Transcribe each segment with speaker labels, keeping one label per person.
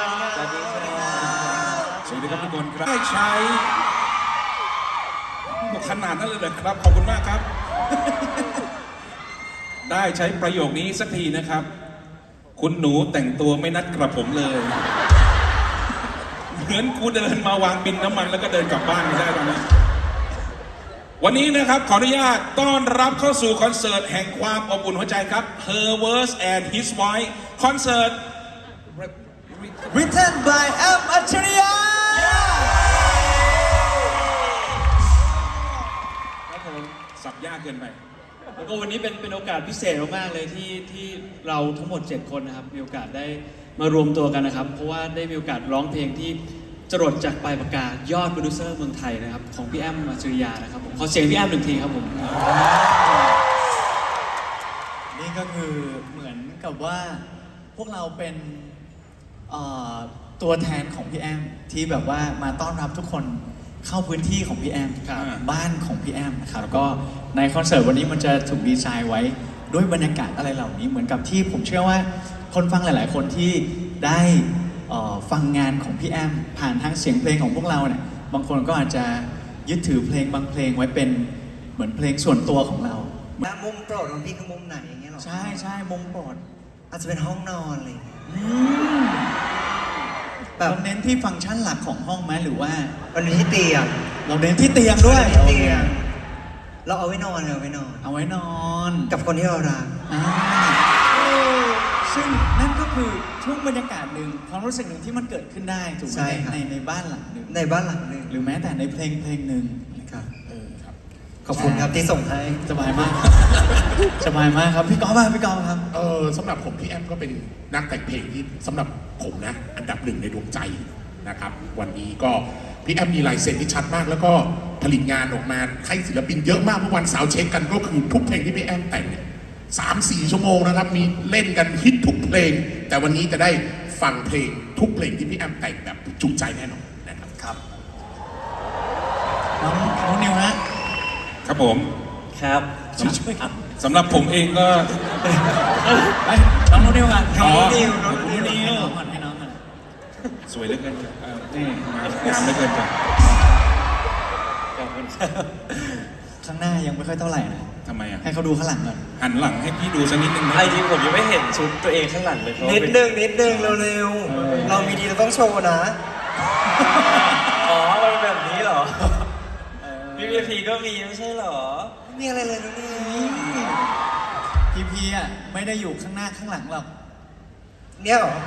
Speaker 1: สวัสดีครับ
Speaker 2: สวัสดีครับทุกคนครับได้ใช้ขนาดนั้นเลยเหรอครับขอบคุณมากครับ ได้ใช้ประโยคนี้สักทีนะครับ คุณหนูแต่งตัวไม่นัดกระผมเลย เหมือนกูเดินมาวางบินน้ำมันแล้วก็เดินกลับบ้านไม่ได้ตอนนี้วันนี้นะครับขออนุญาตต้อนรับเข้าสู่คอนเสิร์ตแห่งความอบอุ่นหัวใจครับ Her Verse and His Voice คอนเสิร์ต
Speaker 1: Written by M อัจฉริยะ
Speaker 2: ครับผมสับยากเกินไป
Speaker 3: แล้วก็วันนี้เป็นโอกาสพิเศษมากๆเลยที่เราทั้งหมด 7 คนนะครับมีโอกาสได้มารวมตัวกันนะครับเพราะว่าได้มีโอกาสร้องเพลงที่จรดจากปลายปากกายอดโปรดิวเซอร์เมืองไทยนะครับของพี่แอมอัจฉริยะนะครับผมขอเสียงพี่แอมหนึ่งทีครับผมนี่ก็คือเหมือนกับว่าพวกเราเป็นตัวแทนของพี่แอมที่แบบว่ามาต้อนรับทุกคนเข้าพื้นที่ของพี่แอมบ้านของพี่แอมนะครับก็ในคอนเสิร์ตวันนี้มันจะถูกดีไซน์ไว้ด้วยบรรยากาศอะไรเหล่านี้เหมือนกับที่ผมเชื่อว่าคนฟังหลาย ๆ คนที่ได้ฟังงานของพี่แอมผ่านทางเสียงเพลงของพวกเราเนี่ยบางคนก็อาจจะยึดถือเพลงบางเพลงไว้เป็นเหมือนเพลงส่วนตัวของเรา
Speaker 1: มุมโปรดของพี่คือมุมไหนอย่างเงี้ยหรอ
Speaker 3: ใช่มุมโปรด
Speaker 1: อาจจะเป็นห้องนอนอะไรอย่างเงี้ย
Speaker 3: แบบเน้นที่ฟังก์ชันหลักของห้องไหมหรือว่า
Speaker 1: เราเน้นที่เตียง
Speaker 3: เราเน้นที่เตียงด้วย
Speaker 1: ที่เตียงเราเอาไว้นอนเอาไว้นอนกับคนที่เรารัก
Speaker 3: ซึ่งนั่นก็คือช่วงบรรยากาศหนึ่งความรู้สึกหนึ่งที่มันเกิดขึ้นได้ถูกไหมในบ้านหลังหนึ่งหรือแม้แต่ในเพลงหนึ่ง
Speaker 1: นะครับขอบคุณครับที่ส่งให้
Speaker 3: สบายมากสบายมากครับพี่ก๊อฟครับ
Speaker 4: สำหรับผมพี่แอมก็เป็นนักแต่งเพลงที่สำหรับผมนะอันดับหนึ่งในดวงใจนะครับวันนี้ก็พี่แอมมีลายเซ็นที่ชัดมากแล้วก็ผลิตงานออกมาให้ศิลปินเยอะมากเมื่อวันเสาร์เช็คกันก็คือทุกเพลงที่พี่แอมแต่งเนี่ย3-4 ชั่วโมงนะครับมีเล่นกันฮิตทุกเพลงแต่วันนี้จะได้ฟังเพลงทุกเพลงที่พี่แอมแต่งแบบจุใจแน่นอนนะครับ
Speaker 3: ครับน้องนิวฮะ
Speaker 2: ครับผม
Speaker 3: ครับ
Speaker 2: สำหรับผมเองก็
Speaker 3: น้องนิวกัน
Speaker 2: น้องนิว
Speaker 3: ให้น้องกัน
Speaker 2: สวยเหลือเกินนี่งามเหลือเกินจ้ะ
Speaker 3: ข้างหน้ายังไม่ค่อยเท่าไหร่นะ
Speaker 2: ทำไมอ่ะ
Speaker 3: ให้เขาดูข้างหลังก่อน
Speaker 2: หันหลังให้พี่ดูสักนิดนึงนะ
Speaker 1: ไอ้จริงผมยังไม่เห็นชุดตัวเองข้างหลังเลยนิดนึงเร็วๆเรามีดีเราต้องโชว์นะอ๋อมันแบบนี้เหรอพีก็มีไม่ใช่เหรอมีอะไรเลยน้อง
Speaker 3: นี่พีอ่ะไม่ได้อยู่ข้างหน้าข้างหลังหรอก
Speaker 1: เนี่ยหรอ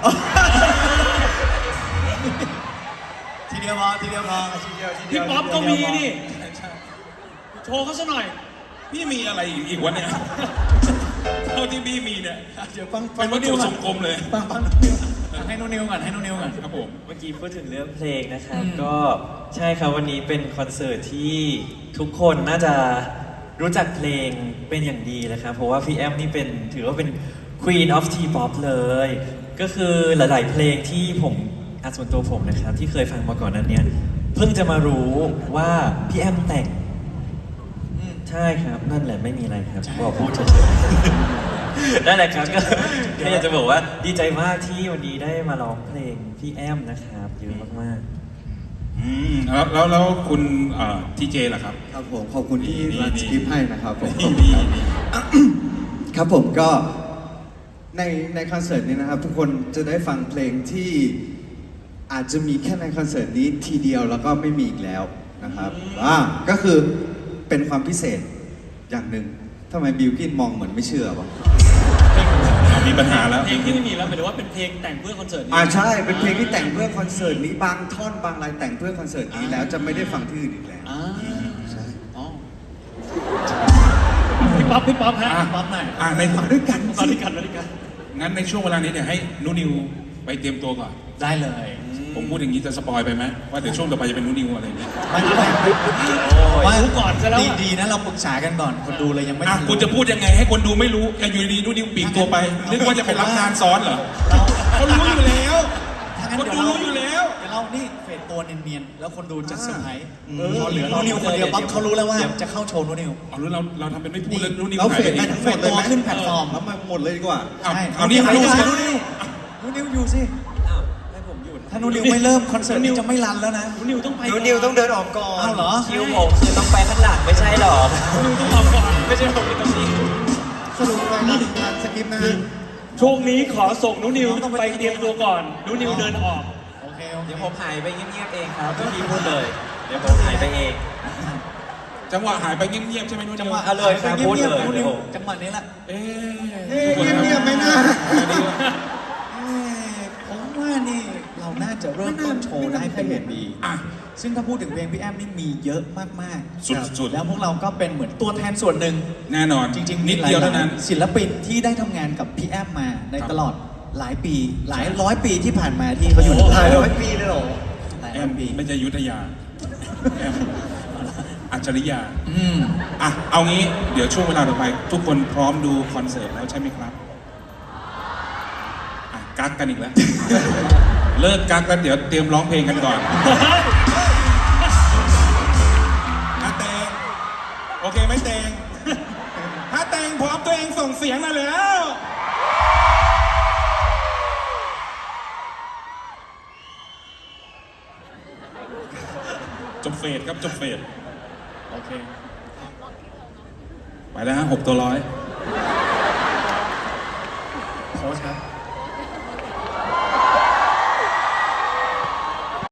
Speaker 3: ทีเดียวพอพี่ป๊อปก็มีนี่โชว์เขาซะหน่อย
Speaker 2: พี่มีอะไรอีกวะเนี่ยเท่าที่พี่มีเนี่ย
Speaker 3: เดี๋ยวฟัง
Speaker 2: เป็นวัตถุสมกลมเลย
Speaker 3: ฟังให้นุ่นนิวก่อน
Speaker 2: ครับผม
Speaker 1: เมื่อกี้พูดถึงเรื่องเพลงนะครับก็ใช่ครับวันนี้เป็นคอนเสิร์ตที่ทุกคนน่าจะรู้จักเพลงเป็นอย่างดีนะครับเพราะว่าพี่แอมนี่เป็นถือว่าเป็น Queen of T-pop เลยก็คือหลายๆเพลงที่ผมส่วนตัวผมนะครับที่เคยฟังมาก่อนนั้นเนี่ยเพิ่งจะมารู้ว่าพี่แอมแต่งใช่ครับนั่นแหละไม่มีอะไรครับบอกพูดเฉยๆนั่นแหละครับก็อยากจะบอกว่าดีใจมากที่วันนี้ได้มาร้องเพลงพี่แอมนะครับเยอะมาก
Speaker 2: ๆแล้วคุณทีเจล่ะครับ
Speaker 5: ครับผมขอบคุณที่รันสคริปต์ให้นะครับผมครับผมก็ในคอนเสิร์ตนี้นะครับทุกคนจะได้ฟังเพลงที่อาจจะมีแค่ในคอนเสิร์ตนี้ทีเดียวแล้วก็ไม่มีอีกแล้วนะครับก็คือเป็นความพิเศษอย่างหนึ่งทำไมบิลกิ้นมองเหมือนไม่เชื่อวะ
Speaker 2: มีปัญหาแล้ว
Speaker 3: เพลงที่ไม่มีแล้วหมายถึงว่าเป็นเพลงแต่งเพื่อคอนเสิร์ตนี้
Speaker 5: ใช่เป็นเพลงที่แต่งเพื่อคอนเสิร์ตนี้บางท่อนบางลายแต่งเพื่อคอนเสิร์ตนี้แล้วจะไม่ได้ฟังที่อื่นอีกแล้ว
Speaker 3: ใช่พี่ป๊อปฮะพี่ป๊อปหน่อย
Speaker 2: ใน
Speaker 5: มาด้วยกัน
Speaker 2: งั้นในช่วงเวลานี้เดี๋ยวให้นุนิวไปเตรียมตัวก่อน
Speaker 3: ได้เลย
Speaker 2: ผมพูดอย่างนี้จะสปอยไปไหมว่าเดี๋ยวช่วงต่อไปจะเป็นนุนิวอะไรอย่างนี้
Speaker 3: ว่ารู้ก่อนซะแล้วดีนะเราปรึกษากันก่อนคนดูเลยยังไม่
Speaker 2: คุณจะพูดยังไงให้คนดูไม่รู้อยู่ดีนุนิวปีกตัวไปนึกว่าจะไปรับงานซ้อนเหรอเขารู้อยู่แล้วคนดูรู้อยู่แล้ว
Speaker 3: เดี๋ยวเรานี่เฟดตัวเนียนๆแล้วคนดูจะเซอร์ไพรส์พอเหลือนุนิวคนเดียวปั๊บเขารู้แล้วว่าจะเข้าโชว์นุนิว
Speaker 2: รู้เราทำเป็นไม่พูดแล้วนุนิว
Speaker 5: หายไปเอง
Speaker 3: เฟดตัวขึ้นแพลตฟอร์ม
Speaker 5: แล้วมาหมดเลยดีกว่า
Speaker 2: เอานี่
Speaker 3: นุนิวอยู่สิ
Speaker 1: ให้ผมอยู่
Speaker 3: ถ้านูนิวไม่เริ่มคอนเสิร์ตนี้จะไม่รันแล้วนะ
Speaker 6: นิวต้องไป
Speaker 1: นูนิวต้องเดินออกก่อน
Speaker 3: อ้าวเหรอ
Speaker 1: คิวผมคือต้องไปข้างหลังไม่ใช่หรอ
Speaker 6: นิวต้องออกก่อน
Speaker 1: ไม่ใช่ผมอยู่ตรงนี้
Speaker 5: สรุปไปงานสกิปนะฮะ
Speaker 6: ช่วงนี้ขอส่งนุนิวไปเตรียมตัวก่อนนุนิวเดินออก
Speaker 3: โอเคโอเค
Speaker 1: เดี๋ยวผมหายไปเงียบๆเองครับพี่พูดเลย เดี๋ยวผมหายไปเอง
Speaker 2: จังหวะหายไปเงียบๆใช่ไหมนุ่น
Speaker 3: จังหวะ
Speaker 1: เอาเลยครับ
Speaker 3: งีบๆ
Speaker 1: พูดเลย
Speaker 3: นูนิว
Speaker 1: เดี๋ยว
Speaker 3: จังหวะนี้แหละ
Speaker 2: เอ๊ะ
Speaker 5: เอ๊ะเงียบๆไม่น่า
Speaker 3: ผมว่านี่เราน่าจะเริ่มต้นโชว์ได้เป็นอย่างดี
Speaker 2: อ่ะ
Speaker 3: ซึ่งถ้าพูดถึงเพลงพี่แอมนี่มีเยอะมากๆ
Speaker 2: สุดๆ
Speaker 3: แล้วพวกเราก็เป็นเหมือนตัวแทนส่วนหนึ่ง
Speaker 2: แน่นอน
Speaker 3: จริงๆ
Speaker 2: นิดเดียวเท่านั้น
Speaker 3: ศิลปินที่ได้ทำงานกับพี่แอมมาใน
Speaker 2: ครับ
Speaker 3: ตลอดหลายปี หลายร้อยปีที่ผ่านมาที่เขาอยู่ใน
Speaker 5: หลายร้อยปีเลยเหรอ
Speaker 3: หลาย
Speaker 2: แอ
Speaker 3: ร้อ
Speaker 2: ม
Speaker 3: ยปี
Speaker 2: ไม่ใช่ยุทธยาแอมอัจฉริยะ
Speaker 3: อืม
Speaker 2: อ่ะ เอางี้ เดี๋ยวช่วงเวลาต่อไป ทุกคนพร้อมดูคอนเสิร์ตแล้วใช่ไหมครับ อ่ะ กักกันอีกแล้ว เลิกกักแล้วเดี๋ยวเตรียมร้องเพลงกันก่อนถ้าเตงโอเคไหมเตงถ้าเตงพร้อมตัวเองส่งเสียงมาแล้ว จบเฟสครับจบเฟส
Speaker 3: โอเค
Speaker 2: ไปแล้วฮะ6 ตัวร้อย
Speaker 3: โค้ชครับ